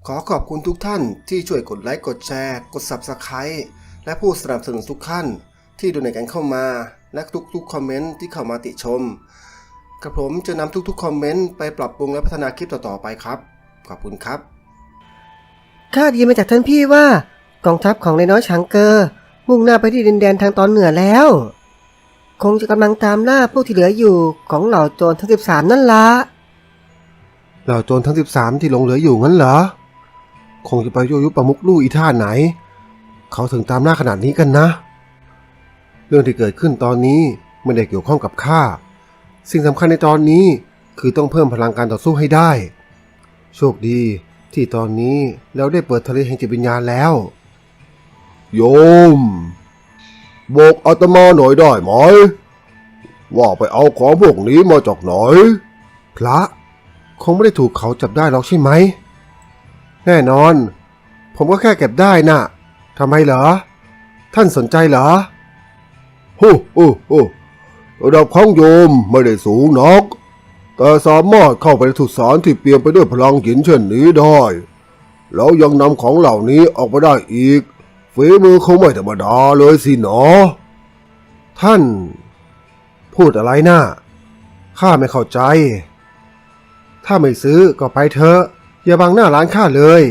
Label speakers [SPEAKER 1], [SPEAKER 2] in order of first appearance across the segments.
[SPEAKER 1] ขอขอบคุณทุกท่านที่ช่วยกดไลค์กดแชร์กด Subscribe และผู้สนับสนุนทุกท่านที่ดูในกันเข้ามาและทุกคอมเมนต์ที่เข้ามาติชมกระผมจะนำทุกคอมเมนต์ไปปรับปรุงและพัฒนาคลิปต่อๆไปครับขอบคุณครับ
[SPEAKER 2] ข้าได้ยินมาจากท่านพี่ว่ากองทัพของนายน้อยฉางเกอมุ่งหน้าไปที่ดินแดนทางตอนเหนือแล้วคงจะกำลังตามล่าพวกที่เหลืออยู่ของเหล่าโจรทั้ง13นั่นละ
[SPEAKER 1] เหล่าโจรทั้ง13ที่หลงเหลืออยู่งั้นเหรอคงจะไปยั่วยุประมุขลู่อีท่าไหนเขาถึงตามล่าขนาดนี้กันนะเรื่องที่เกิดขึ้นตอนนี้ไม่ได้เกี่ยวข้องกับข้าสิ่งสำคัญในตอนนี้คือต้องเพิ่มพลังการต่อสู้ให้ได้โชคดีที่ตอนนี้เราได้เปิดทะเลแห่งจิตวิญญาณแล้วโยมบอกอาตมาหน่อยได้ไหมว่าไปเอาของพวกนี้มาจากไหนพระคงไม่ได้ถูกเขาจับได้หรอกใช่ไหมแน่นอนผมก็แค่เก็บได้น่ะทำไมเหรอท่านสนใจเหรอโอ้ระดับของโยมไม่ได้สูงนักแต่สามารถเข้าไปในสุสานที่เปี่ยมไปด้วยพลังหินเช่นนี้ได้แล้วยังนำของเหล่านี้ออกมาได้อีกฝีมือคงไม่ธรรมดาเลยสิเนาะท่านพูดอะไรน่ะข้าไม่เข้าใจถ้าไม่ซื้อก็ไปเถอะอย่าบังหน้าร้านข้าเลย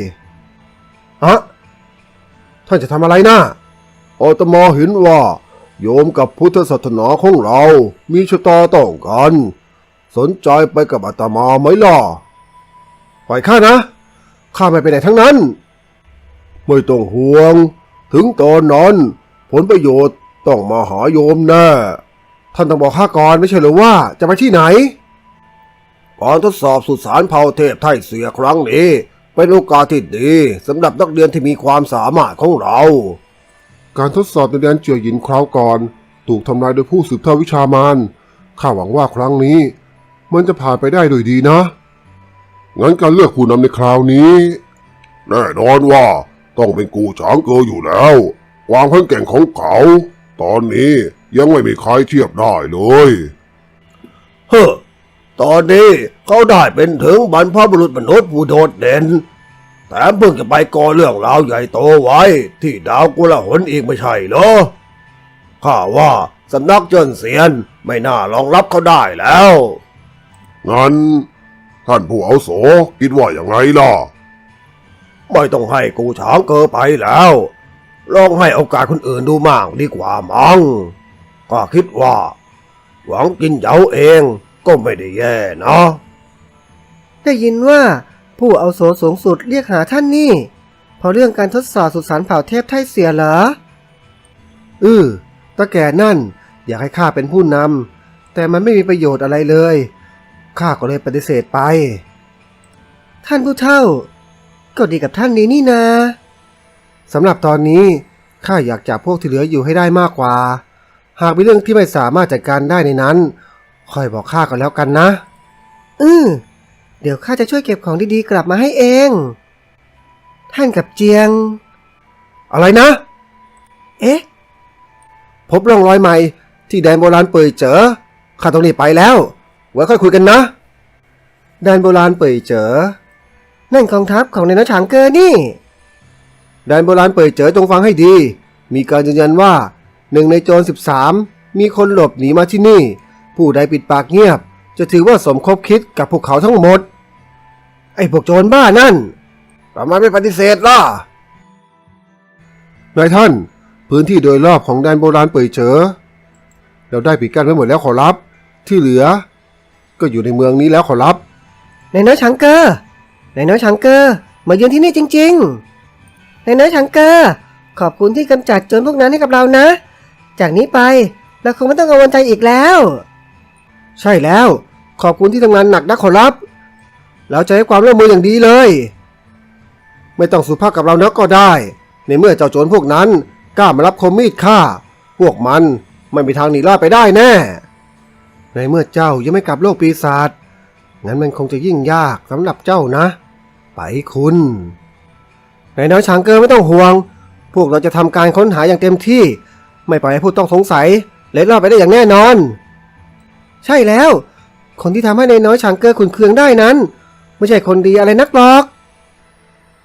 [SPEAKER 1] ท่านจะทำอะไรน่ะอาตมาเห็นว่าโยมกับพุทธศาสนาของเรามีชะตาต้องกันสนใจไปกับอาตมาไหมล่ะปล่อยข้านะข้าไม่ไปไหนทั้งนั้นไม่ต้องห่วงถึงตอนนั้นผลประโยชน์ต้องมาหาโยมแน่ท่านต้องบอกข้าก่อนไม่ใช่หรือว่าจะไปที่ไหนการทดสอบสุสานเผ่าเทพไทเสียครั้งนี้เป็นโอกาสที่ดีสำหรับนักเรียนที่มีความสามารถของเราการทดสอบในแดนเจียวหยินคราวก่อนถูกทำลายโดยผู้สืบทอดวิชามารข้าหวังว่าครั้งนี้มันจะผ่านไปได้โดยดีนะงั้นการเลือกผู้นำในคราวนี้แน่นอนว่าต้องเป็นกูฉางเกออยู่แล้วความแข็งแกร่งของเขาตอนนี้ยังไม่มีใครเทียบได้เลยตอนนี้เขาได้เป็นถึงบรรพบุรุษมนุษย์ผู้โดดเด่นแถมเพิ่งจะไปก่อเรื่องราวใหญ่โตไว้ที่ดาวกุลหนอีกไม่ใช่เหรอข้าว่าสำนักเจิ้นเซียนไม่น่ารองรับเขาได้แล้วงั้นท่านผู้อาวุโสคิดว่าอย่างไรล่ะไม่ต้องให้กูฉางเกอไปแล้วลองให้โอกาสคนอื่นดูมั่งดีกว่ามั้งก็คิดว่าหวังกินเหยาเองก็ไม่ได้แย่นะ
[SPEAKER 2] ได้ยินว่าผู้อาวุโสสูงสุดเรียกหาท่านนี่เพราะเรื่องการทดสอบสุสานเผ่าเทพไทเสียเหรอตาแก่นั่นอยากให้ข้าเป็นผู้นำแต่มันไม่มีประโยชน์อะไรเลยข้าก็เลยปฏิเสธไปท่านผู้เฒ่าก็ดีกับท่านนี้นี่นาสำหรับตอนนี้ข้าอยากจับพวกที่เหลืออยู่ให้ได้มากกว่าหากมีเรื่องที่ไม่สามารถจัดการได้ในนั้นค่อยบอกข้าก็แล้วกันนะเดี๋ยวข้าจะช่วยเก็บของดีๆกลับมาให้เองท่านกับเจียงอะไรนะพบร่องรอยใหม่ที่แดนโบราณเป่ยเจ๋อข้าต้องรีบไปแล้วไว้ค่อยคุยกันนะแดนโบราณเป่ยเจ๋อนั่นกองทัพของนายน้อยฉางเกอนี่แดนโบราณเป่ยเจ๋อจงฟังให้ดีมีการยืนยันว่า1ในโจร13มีคนหลบหนีมาที่นี่ผู้ใดปิดปากเงียบจะถือว่าสมคบคิดกับพวกเขาทั้งหมดไอ้พวกโจรบ้านั่นทำไมไม่ปฏิเสธล่ะนายท่านพื้นที่โดยรอบของแดนโบราณเป่ยเจ๋อเราได้ปิดกั้นไว้หมดแล้วขอรับที่เหลือก็อยู่ในเมืองนี้แล้วขอรับนายน้อยฉางเกอนายน้อยฉางเกอมาเยือนที่นี่จริงๆนายน้อยฉางเกอขอบคุณที่กำจัดโจรพวกนั้นให้กับเรานะจากนี้ไปเราคงไม่ต้องกังวลใจอีกแล้วใช่แล้วขอบคุณที่ทำงานหนักนะขอรับเราจะให้ความร่วมมืออย่างดีเลยไม่ต้องสุภาพกับเรานักก็ได้ในเมื่อเจ้าโจรพวกนั้นกล้ามารับคมมีดฆ่าพวกมันไม่มีทางหนีรอดไปได้แน่ในเมื่อเจ้ายังไม่กลับโลกปีศาจงั้นมันคงจะยิ่งยากสำหรับเจ้านะไปคุณนายน้อยฉางเกอไม่ต้องห่วงพวกเราจะทำการค้นหาอย่างเต็มที่ไม่ปล่อยให้ผู้ต้องสงสัยเล็ดลอดไปได้อย่างแน่นอนใช่แล้วคนที่ทำให้นายน้อยฉางเกอขุ่นเคืองได้นั้นไม่ใช่คนดีอะไรนักหรอก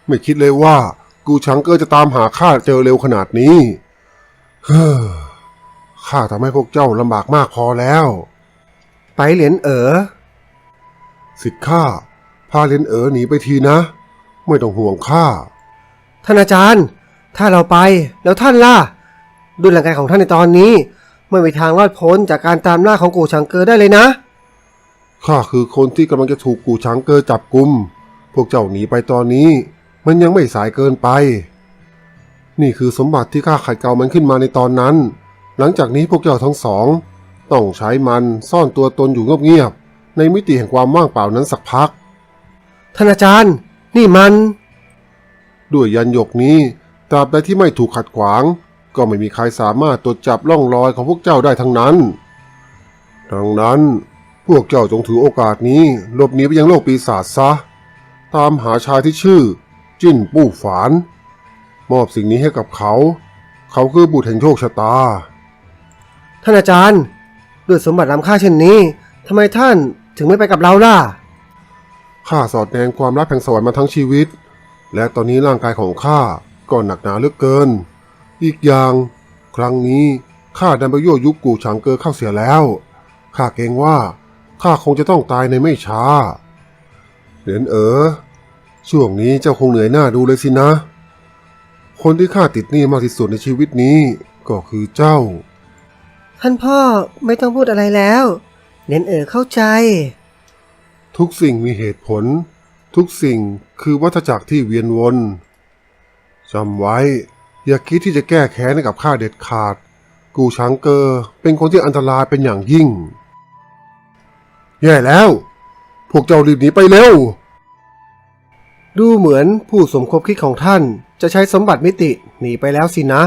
[SPEAKER 1] ไม่คิดเลยว่ากูชังเกอร์จะตามหาข้าเจอเร็วขนาดนี้เฮ้อข้าทำให้พวกเจ้าลำบากมากพอแล้ว
[SPEAKER 2] ไปเหรียญ
[SPEAKER 1] สิทธิ์ข้าพาเลนหนีไปทีนะไม่ต้องห่วงข้า
[SPEAKER 2] ท่านอาจารย์ถ้าเราไปแล้วท่านล่ะด้วยร่างกายของท่านในตอนนี้ไม่มีทางรอดพ้นจากการตามล่าของกูชังเกอร์ได้เลยนะ
[SPEAKER 1] ข้าคือคนที่กำลังจะถูกกูช้างเกอร์จับกุมพวกเจ้าหนีไปตอนนี้มันยังไม่สายเกินไปนี่คือสมบัติที่ข้าขัดเกลามันขึ้นมาในตอนนั้นหลังจากนี้พวกเจ้าทั้งสองต้องใช้มันซ่อนตัวตนอยู่เงียบๆในมิติแห่งความว่างเปล่านั้นสักพัก
[SPEAKER 2] ท่านอาจารย์นี่มัน
[SPEAKER 1] ด้วยยันหยกนี้ตราบใดที่ไม่ถูกขัดขวางก็ไม่มีใครสามารถตรวจจับร่องรอยของพวกเจ้าได้ทั้งนั้นดังนั้นพวกเจ้าจงถือโอกาสนี้หลบหนีไปยังโลกปีศาจซะตามหาชายที่ชื่อจิ้นปู้ฝานมอบสิ่งนี้ให้กับเขาเขาคือบุตรแห่งโชคชะตา
[SPEAKER 2] ท่านอาจารย์ด้วยสมบัติล้ำค่าเช่นนี้ทำไมท่านถึงไม่ไปกับเราล่ะ
[SPEAKER 1] ข้าสอดแนงความลับแห่งสวรรค์มาทั้งชีวิตและตอนนี้ร่างกายของข้าก็หนักหนาเหลือเกินอีกอย่างครั้งนี้ข้าดันไปยั่วยุกูฉางเกอเข้าเสียแล้วข้าเกรงว่าข้าคงจะต้องตายในไม่ช้าเหรียญช่วงนี้เจ้าคงเหนื่อยหน้าดูเลยสินะ คนที่ข้าติดหนี้มากที่สุดในชีวิตนี้ก็คือเจ้า
[SPEAKER 2] ท่านพ่อไม่ต้องพูดอะไรแล้วเหรียญเข้าใจ
[SPEAKER 1] ทุกสิ่งมีเหตุผลทุกสิ่งคือวัฏจักรที่เวียนวนจำไว้อย่าคิดที่จะแก้แค้นให้กับข้าเด็ดขาดกูช้างเกอเป็นคนที่อันตรายเป็นอย่างยิ่งแย่แล้วพวกเจ้ารีบหนีไปเร็ว
[SPEAKER 2] ดูเหมือนผู้สมคบคิดของท่านจะใช้สมบัติมิติหนีไปแล้วสินะ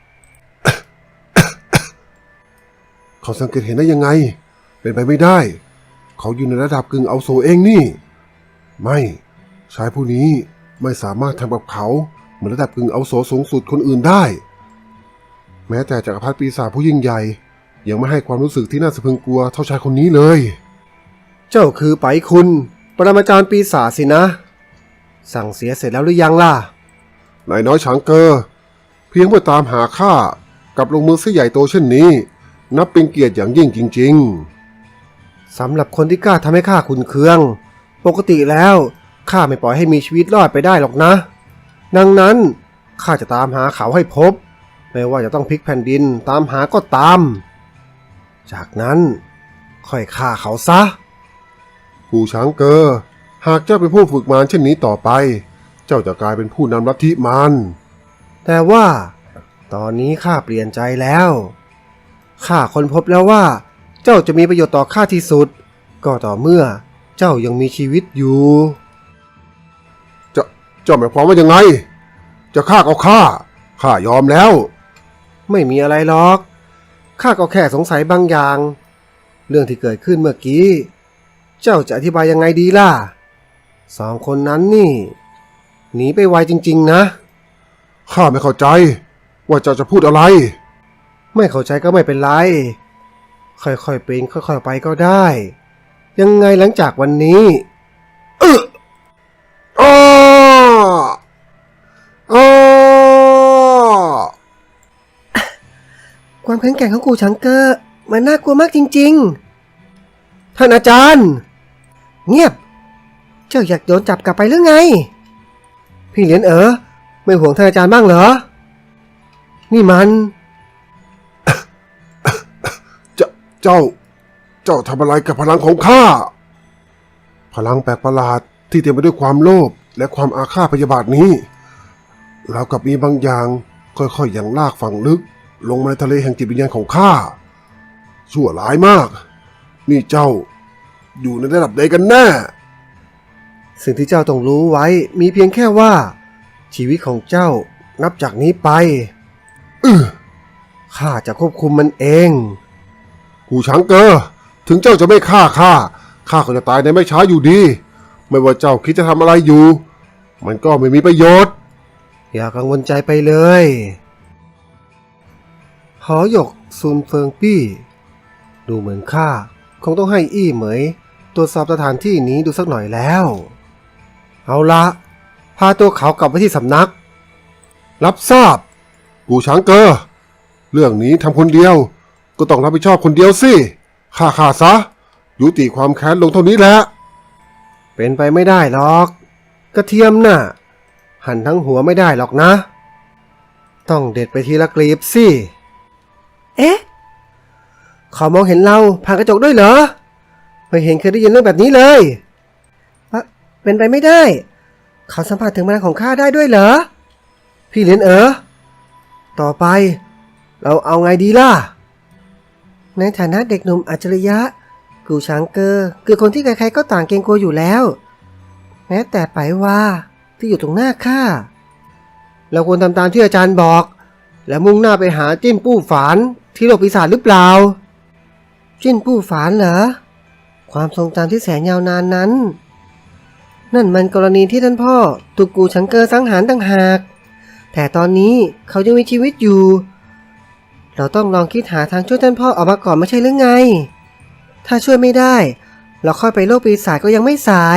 [SPEAKER 1] เขาสังเกตเห็นได้ยังไงเป็นไปไม่ได้เขาอยู่ในระดับกึ่งอาวุโสเองนี่ไม่ชายผู้นี้ไม่สามารถทำกับเขาเหมือนระดับกึ่งอาวุโสสูงสุดคนอื่นได้แม้แต่จักรพรรดิปีศาจผู้ยิ่งใหญ่ยังไม่ให้ความรู้สึกที่น่าสะพรึงกลัวเท่าชายคนนี้เลย
[SPEAKER 2] เจ้าคือไปคุณปรมาจารย์ปีศาจสินะสั่งเสียเสร็จแล้วหรือยังล่ะ
[SPEAKER 1] นายน้อยช้างเกอเพียงเพื่อตามหาข้ากับลงมือเสียใหญ่โตเช่นนี้นับเป็นเกียรติอย่างยิ่งจริง
[SPEAKER 2] ๆสำหรับคนที่กล้าทำให้ข้าขุ่นเคืองปกติแล้วข้าไม่ปล่อยให้มีชีวิตรอดไปได้หรอกนะดังนั้นข้าจะตามหาเขาให้พบไม่ว่าจะต้องพลิกแผ่นดินตามหาก็ตามจากนั้นค่อยฆ่าเขาซะ
[SPEAKER 1] กูช้างเกอหากเจ้าเป็นผู้ฝึกมารเช่นนี้ต่อไปเจ้าจะกลายเป็นผู้นำลัทธิมาร
[SPEAKER 2] แต่ว่าตอนนี้ข้าเปลี่ยนใจแล้วข้าค้นพบแล้วว่าเจ้าจะมีประโยชน์ต่อข้าที่สุดก็ต่อเมื่อเจ้ายังมีชีวิตอยู่
[SPEAKER 1] เจ้าหมายความว่ายังไงจะฆ่าก็ฆ่ายอมแล้ว
[SPEAKER 2] ไม่มีอะไรหรอกข้าก็แค่สงสัยบางอย่างเรื่องที่เกิดขึ้นเมื่อกี้เจ้าจะอธิบายยังไงดีล่ะสองคนนั้นนี่หนีไปไวจริงๆนะ
[SPEAKER 1] ข้าไม่เข้าใจว่าเจ้าจะพูดอะไร
[SPEAKER 2] ไม่เข้าใจก็ไม่เป็นไรค่อยๆเป็นค่อยๆไปก็ได้ยังไงหลังจากวันนี้ความแข็งแกร่งของกูชังเกอร์มันน่ากลัวมากจริงๆท่านอาจารย์เงียบเจ้าอยากโดนจับกลับไปหรือไงพี่เหรียญไม่ห่วงท่านอาจารย์บ้างเหรอนี่มัน
[SPEAKER 1] เจ้าทำอะไรกับพลังของข้าพลังแปลกประหลาดที่เต็มไปด้วยความโลภและความอาฆาตพยาบาทนี้แล้วกับมีบางอย่างค่อยๆอย่างลากฝังลึกลงมาในทะเลแห่งจิตวิญญาณของข้าชั่วร้ายมากนี่เจ้าอยู่ในระดับใดกันแน่
[SPEAKER 2] สิ่งที่เจ้าต้องรู้ไว้มีเพียงแค่ว่าชีวิตของเจ้านับจากนี้ไปข้าจะควบคุมมันเอง
[SPEAKER 1] กูช้างเกอถึงเจ้าจะไม่ฆ่าข้าก็จะตายในไม่ช้าอยู่ดีไม่ว่าเจ้าคิดจะทำอะไรอยู่มันก็ไม่มีประโยชน์
[SPEAKER 2] อย่ากังวลใจไปเลยหอหยกซุนเฟิงปี้ดูเหมือนข้าคงต้องให้อี้เหมยตรวจสอบสถานที่นี้ดูสักหน่อยแล้วเอาละพ
[SPEAKER 1] าตัวเขากลับไปที่สำนัก รับทราบปู่ช้างเกอเรื่องนี้ทำคนเดียวก็ต้องรับผิดชอบคนเดียวสิฆ่าซะยุติความแค้นลงเท่านี้แหละเป็นไปไม่ได้หรอกกระเทียมน่ะหั่นทั้งหัวไม่ได้หรอกนะต้องเด็ดไปทีละกลีบสิ
[SPEAKER 2] เอ๊ะเขามองเห็นเราผ่านกระจกด้วยเหรอไม่เห็นเคยได้ยินเรื่องแบบนี้เลยเป็นไปไม่ได้เขาสัมผัสถึงพลังของข้าได้ด้วยเหรอพี่เหรียญต่อไปเราเอาไงดีล่ะในฐานะเด็กหนุ่มอัจฉริยะกูช้างเกอคือคนที่ใครๆก็ต่างเกรงกลัวอยู่แล้วแม้แต่ไปว่าที่อยู่ตรงหน้าข้าเราควรทำตามที่อาจารย์บอกแล้วมุ่งหน้าไปหาจิ้นปู้ฝานที่โลกปีศาจหรือเปล่าจิ้นปู้ฝานเหรอความทรงจำที่แสนยาวนานนั้นนั่นมันกรณีที่ท่านพ่อถูกกูช้างเกอสังหารต่างหากแต่ตอนนี้เขายังมีชีวิตอยู่เราต้องลองคิดหาทางช่วยท่านพ่อออกมาก่อนไม่ใช่หรือไงถ้าช่วยไม่ได้เราค่อยไปโลกปีศาจก็ยังไม่สาย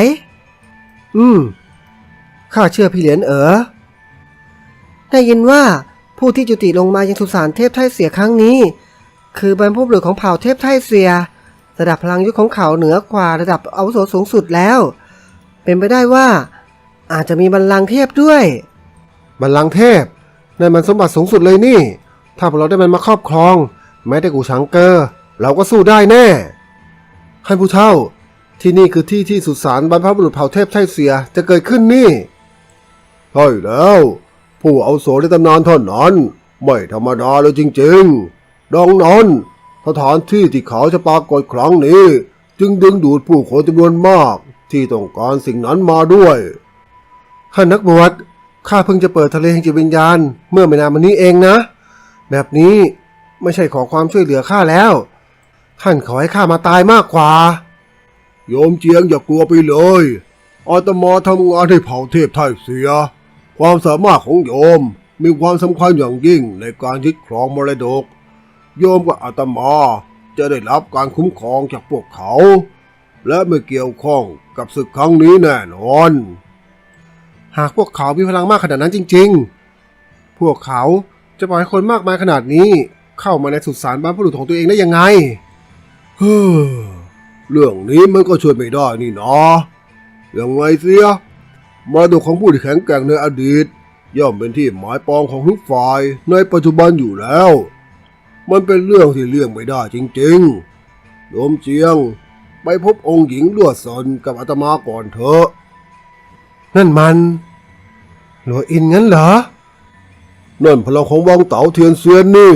[SPEAKER 2] ข้าเชื่อพี่เหรียญได้ยินว่าผู้ที่จุติลงมายังสุสานเทพไทเสียครั้งนี้คือบรรพบุรุษของเผ่าเทพไทเสียระดับพลังยุคของเขาเหนือกว่าระดับอาวุโสสูงสุดแล้วเป็นไปได้ว่าอาจจะมีบัลลังก์เทพด้วย
[SPEAKER 1] บัลลังก์เทพนั่นมันสมบัติสูงสุดเลยนี่ถ้าพวกเราได้มันมาครอบครองแม้แต่กูช้างเกอเราก็สู้ได้แน่ให้ผู้เฒ่าที่นี่คือที่สุสานบรรพบุรุษเผ่าเทพไทเสียจะเกิดขึ้นนี่ใช่แล้วผู้อาวุโสในตำนานเท่านั้นไม่ธรรมดาเลยจริงๆดังนั้นสถานที่ที่เขาจะปรากฏครั้งนี้จึงดึงดูดผู้คนจำนวนมากที่ต้องการสิ่งนั้นมาด้วยท่านนักบวชข้าเพิ่งจะเปิดทะเลแห่งจิตวิญญาณเมื่อไม่นานมานี้เองนะแบบนี้ไม่ใช่ขอความช่วยเหลือข้าแล้วท่านขอให้ข้ามาตายมากกว่าโยมเจียงอย่ากลัวไปเลยอาตมาทำงานให้เผ่าเทพไทเสียความสามารถของโยมมีความสำคัญอย่างยิ่งในการยึดครองมรดกโยมกับอาตมาจะได้รับการคุ้มครองจากพวกเขาและไม่เกี่ยวข้องกับศึกครั้งนี้แน่นอนหากพวกเขามีพลังมากขนาดนั้นจริงๆพวกเขาจะปล่อยให้คนมากมายขนาดนี้เข้ามาในสุสานบรรพบุรุษของตัวเองได้ยังไงเรื่องนี้มันก็ช่วยไม่ได้นี่นะยังไงเสียมรดกของผู้ที่แข็งแกร่งในอดีตย่อมเป็นที่หมายปองของทุกฝ่ายในปัจจุบันอยู่แล้วมันเป็นเรื่องที่เลี่ยงไม่ได้จริงๆโยมเจียงไปพบองค์หญิงลวดซนกับอาตมาก่อนเถอะนั่นมันหลวงอินงั้นเหรอนั่นพลังของวังเต๋าเทียนเซียนนี่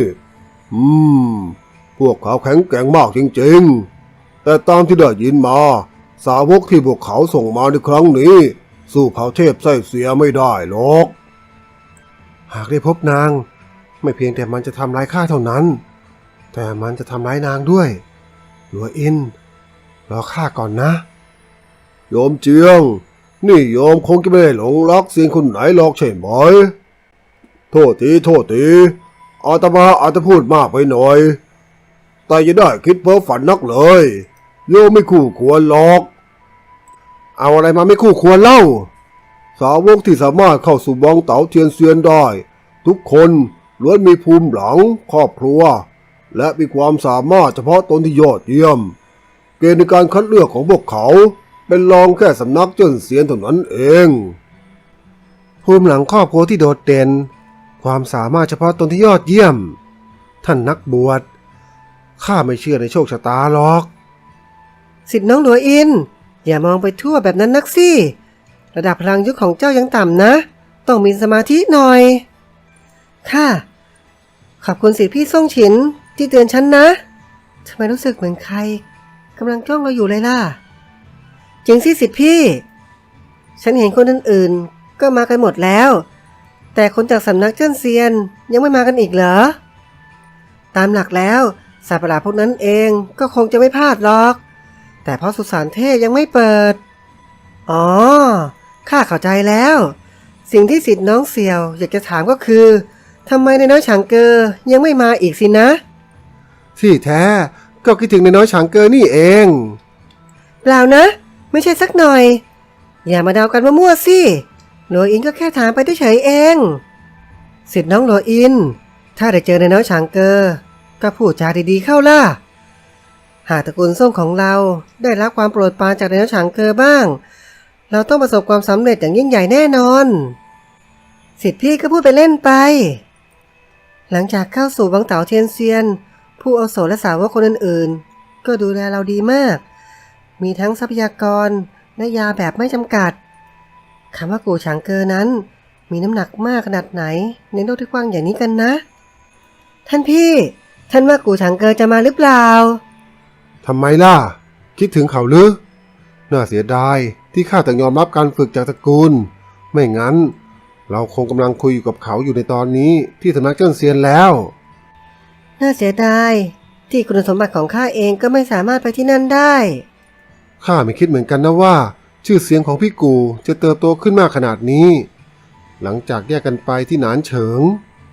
[SPEAKER 1] พวกเขาแข็งแกร่งมากจริงๆแต่ตามที่ได้ยินมาสาวกที่พวกเขาส่งมาในครั้งนี้สู้เผ่าเทพไส้เสียไม่ได้หรอกหากได้พบนางไม่เพียงแต่มันจะทำร้ายข้าเท่านั้นแต่มันจะทำร้ายนางด้วยหลวงอินรอข้าก่อนนะโยมเจียงนี่โยมคงจะไม่ได้หลงรักเสียงคนไหนหรอกใช่ไหมโทษทีอาตมาอาจจะพูดมากไปหน่อยแต่อย่าได้คิดเพ้อฝันนักเลยโยมไม่คู่ควรหรอกเอาอะไรมาไม่คู่ควรเล่าสาวกที่สามารถเข้าสู่วังเต๋าเทียนเซียนได้ทุกคนล้วนมีภูมิหลังครอบครัวและมีความสามารถเฉพาะตนที่ยอดเยี่ยมเกณฑ์ในการคัดเลือกของพวกเขาเป็นรองแค่สำนักเจิ้นเซียนเท่านั้นเองภูมิหลังครอบครัวที่โดดเด่นความสามารถเฉพาะตนที่ยอดเยี่ยมท่านนักบวชข้าไม่เชื่อในโชคชะตาหรอก
[SPEAKER 2] สิทธิ์น้องหลวงอินอย่ามองไปทั่วแบบนั้นนักสิระดับพลังยุคของเจ้ายังต่ำนะต้องมีสมาธิหน่อยค่ะขอบคุณสิทธิ์พี่ซ่งฉินที่เตือนฉันนะทำไมรู้สึกเหมือนใครกำลังจ้องเราอยู่เลยล่ะจริงสิสิทธิ์พี่ฉันเห็นคนอื่นๆก็มากันหมดแล้วแต่คนจากสำนักเจิ้นเซียนยังไม่มากันอีกเหรอตามหลักแล้วสัตว์ประหลาดพวกนั้นเองก็คงจะไม่พลาดหรอกแต่เพราะสุสานเทพยังไม่เปิดอ๋อข้าเข้าใจแล้วสิ่งที่สิทธิ์น้องเสี่ยวอยากจะถามก็คือทำไมนายน้อยฉางเกอยังไม่มาอีกสินะ
[SPEAKER 1] ที่แท้ก็คิดถึงนายน้อยฉางเกอนี่เอง
[SPEAKER 2] เปล่านะไม่ใช่สักหน่อยอย่ามาเดากันมั่วๆสิหลัวอินก็แค่ถามไปเฉยๆเองสิทธิ์น้องหลัวอินถ้าได้เจอในน้อยฉางเกอก็พูดจาดีๆเข้าล่ะหากตระกูลส้มของเราได้รับความโปรดปรานจากในน้อยฉางเกอบ้างเราต้องประสบความสำเร็จอย่างยิ่งใหญ่แน่นอนสิทธิ์พี่ก็พูดไปเล่นไปหลังจากเข้าสู่วังเต๋าเทียนเซียนผู้อาวุโสและสาวกคนอื่นๆก็ดูแลเราดีมากมีทั้งทรัพยากรและยาแบบไม่จำกัดคำว่ากูฉางเกอนั้นมีน้ำหนักมากขนาดไหนในโลกที่กว้างอย่างนี้กันนะท่านพี่ท่านว่ากูฉางเกอจะมาหรือเปล่า
[SPEAKER 1] ทำไมล่ะคิดถึงเขาหรือน่าเสียดายที่ข้าต้องยอมรับการฝึกจากตระกูลไม่งั้นเราคงกำลังคุยอยู่กับเขาอยู่ในตอนนี้ที่สำนักเจิ้นเซียนแล้ว
[SPEAKER 2] น่าเสียดายที่คุณสมบัติของข้าเองก็ไม่สามารถไปที่นั่นได้
[SPEAKER 1] ข้าไม่คิดเหมือนกันนะว่าชื่อเสียงของพี่กูจะเติบโตขึ้นมากขนาดนี้หลังจากแยกกันไปที่หนานเฉิง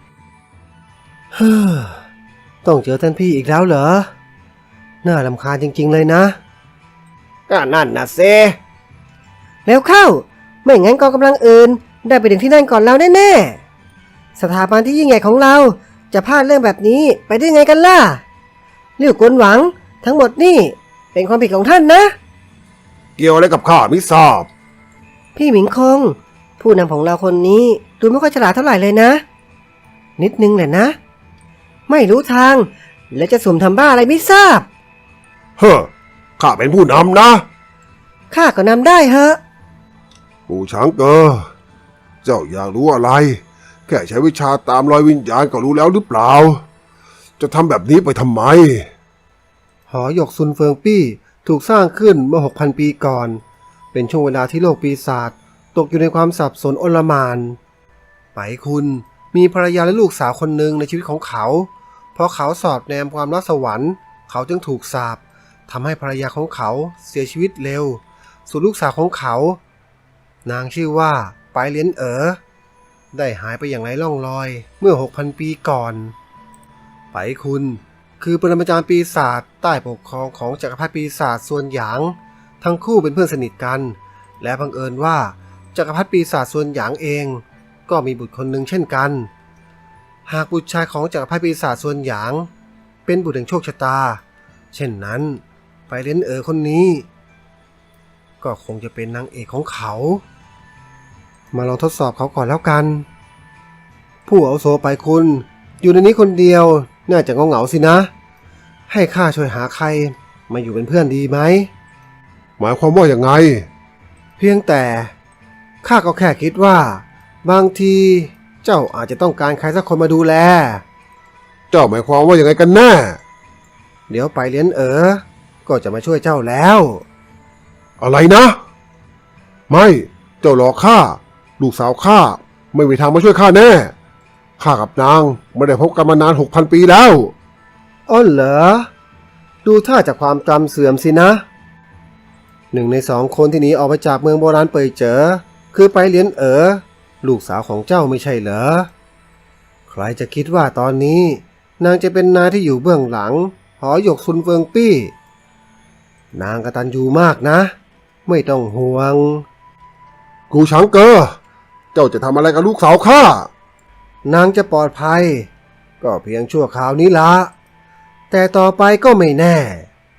[SPEAKER 1] ต้องเจอท่านพี่อีกแล้วเหรอน่ารำคาญจริงๆเลยนะ
[SPEAKER 2] ก็นั่นนะเซแล้วเข้าไม่งั้นกองกำลังอื่นได้ไปถึงที่นั่นก่อนเราแน่ๆสถาบันที่ยิ่งใหญ่ของเราจะพลาดเรื่องแบบนี้ไปได้ไงกันล่ะเรี่ยวกวนหวังทั้งหมดนี่เป็นความผิดของท่านนะ
[SPEAKER 1] เกี่ยวอะไรกับข้าไม่ทราบ
[SPEAKER 2] พี่หมิงคงผู้นำของเราคนนี้ดูไม่ค่อยฉลาดเท่าไหร่เลยนะนิดนึงแหละนะไม่รู้ทางและจะสุ่มทำบ้าอะไรไม่ทราบ
[SPEAKER 1] ข้าเป็นผู้นำนะ
[SPEAKER 2] ข้าก็นำได้เหอะ
[SPEAKER 1] ปู่ช้างเกอเจ้าอยากรู้อะไรแค่ใช้วิชาตามรอยวิญญาณก็รู้แล้วหรือเปล่าจะทำแบบนี้ไปทำไมหอหยกซุนเฟิงปี้ถูกสร้างขึ้นเมื่อ 6,000 ปีก่อนเป็นช่วงเวลาที่โลกปีศาจตกอยู่ในความสับสนโอลหม่านไปคุณมีภรรยาและลูกสาวคนหนึ่งในชีวิตของเขาเพราะเขาสอดแนมความรักสวรรค์เขาจึงถูกสาปทำให้ภรรยาของเขาเสียชีวิตเร็วส่วนลูกสาวของเขานางชื่อว่าไปเลียนได้หายไปอย่างไร้ร่องรอยเมื่อ 6,000 ปีก่อนไปคุณคือปรมาจารย์ปีศาจใต้ปกครองของจักรพรรดิปีศาจส่วนหยางทั้งคู่เป็นเพื่อนสนิทกันและบังเอิญว่าจักรพรรดิปีศาจส่วนหยางเองก็มีบุตรคนหนึ่งเช่นกันหากบุตรชายของจักรพรรดิปีศาจส่วนหยางเป็นบุตรแห่งโชคชะตาเช่นนั้นไปเลียนคนนี้ก็คงจะเป็นนางเอกของเขามาลองทดสอบเขาก่อนแล้วกันผู้อาวุโสไปคุณอยู่ในนี้คนเดียวน่าจะเหงาๆสินะให้ข้าช่วยหาใครมาอยู่เป็นเพื่อนดีไหมหมายความว่าอย่างไงเพียงแต่ข้าก็แค่คิดว่าบางทีเจ้าอาจจะต้องการใครสักคนมาดูแลเจ้าหมายความว่าอย่างไงกันแน่เดี๋ยวไปเลียนก็จะมาช่วยเจ้าแล้วอะไรนะไม่เจ้าหลอกข้าลูกสาวข้าไม่มีทางมาช่วยข้าแน่ข้ากับนางไม่ได้พบกันมานาน 6,000 ปีแล้วอ้อเหรอดูท่าจากความจำเสื่อมสินะหนึ่งใน2 คนที่หนีออกมาจากเมืองโบราณเป่ยเจ๋อคือไปเลียนลูกสาวของเจ้าไม่ใช่เหรอใครจะคิดว่าตอนนี้นางจะเป็นนายที่อยู่เบื้องหลังหอหยกซุนเฟิงปี้นางกตัญญูมากนะไม่ต้องห่วงกูช้างเกอเจ้าจะทำอะไรกับลูกสาวข้านางจะปลอดภัยก็เพียงชั่วคราวนี้ละแต่ต่อไปก็ไม่แน่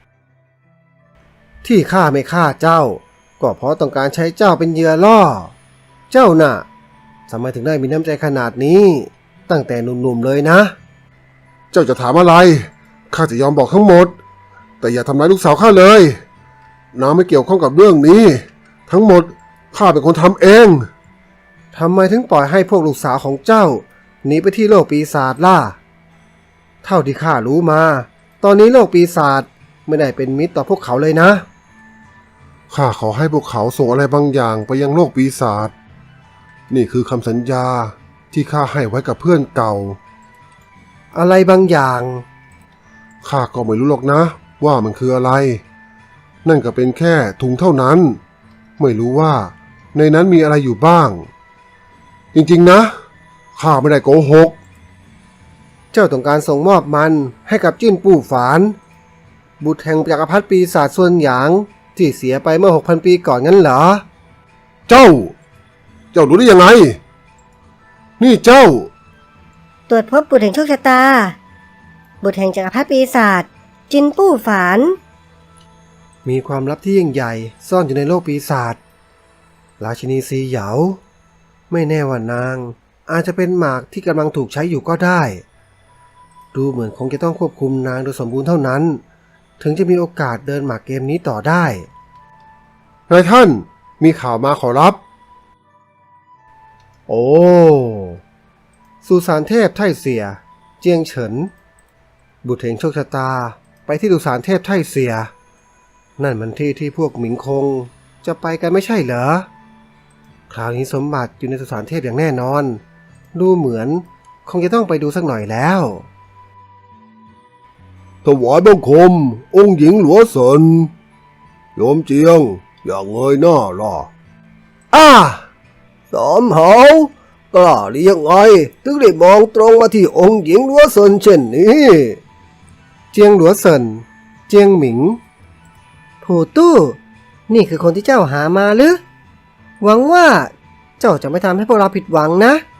[SPEAKER 1] ที่ข้าไม่ฆ่าเจ้าก็เพราะต้องการใช้เจ้าเป็นเหยื่อล่อเจ้าน่ะทำไมถึงได้มีน้ำใจขนาดนี้ตั้งแต่หนุ่มๆเลยนะเจ้าจะถามอะไรข้าจะยอมบอกทั้งหมดแต่อย่าทำร้ายลูกสาวข้าเลยนางไม่เกี่ยวข้องกับเรื่องนี้ทั้งหมดข้าเป็นคนทำเองทำไมถึงปล่อยให้พวกลูกสาวของเจ้าหนีไปที่โลกปีศาจล่ะเท่าที่ข้ารู้มาตอนนี้โลกปีศาจไม่ได้เป็นมิตรต่อพวกเขาเลยนะข้าขอให้พวกเขาส่งอะไรบางอย่างไปยังโลกปีศาจนี่คือคำสัญญาที่ข้าให้ไว้กับเพื่อนเก่าอะไรบางอย่างข้าก็ไม่รู้หรอกนะว่ามันคืออะไรนั่นก็เป็นแค่ถุงเท่านั้นไม่รู้ว่าในนั้นมีอะไรอยู่บ้างจริงๆนะข้าไม่ได้โกหกเจ้าต้องการส่งมอบมันให้กับจิ้นปู่ฝานบุตรแห่งจักรพรรดิปีศาจส่วนหยางที่เสียไปเมื่อ 6,000 ปีก่อนงั้นเหรอเจ้าจ้ารู้ได้ยังไง นี่เจ้า
[SPEAKER 3] ตรวจพบบุตรแห่งโชคชะตา บุตรแห่งจักรพรรดิปีศาจจินปู้ฝาน
[SPEAKER 2] มีความลับที่ยิ่งใหญ่ซ่อนอยู่ในโลกปีศาจราชินีซีเหยาไม่แน่ว่านางอาจจะเป็นหมากที่กำลังถูกใช้อยู่ก็ได้ ดูเหมือนคงจะต้องควบคุมนางโดยสมบูรณ์เท่านั้น ถึงจะมีโอกาสเดินหมากเกมนี้ต่อได้
[SPEAKER 1] นายท่านมีข่าวมาขอรับ
[SPEAKER 2] โอ้สุสานเทพไท่เสีย เจียงเฉิน บุตรแห่งโชคชะตาไปที่สุสานเทพไท่เสีย นั่นมันที่ที่พวกหมิงคงจะไปกันไม่ใช่เหรอ คราวนี้สมบัติอยู่ในสุสานเทพอย่างแน่นอน ดูเหมือนคงจะต้องไปดูสักหน่อยแล้ว
[SPEAKER 1] ถวายบังคม องค์หญิงหลวงเซินโยมเจียง อย่างเงยหน้าล่ะ
[SPEAKER 2] สมเหากล้าหรือยังไงถึงได้มองตรงมาที่องค์หญิงหลัวเซินเช่นนี้ เจียงหลัวเซิน เจียงหมิงผู้ตู้ นี่คือคนที่เจ้าหามาหรือ หวังว่าเจ้าจะไม่ทำให้พวกเราผิดหวังนะ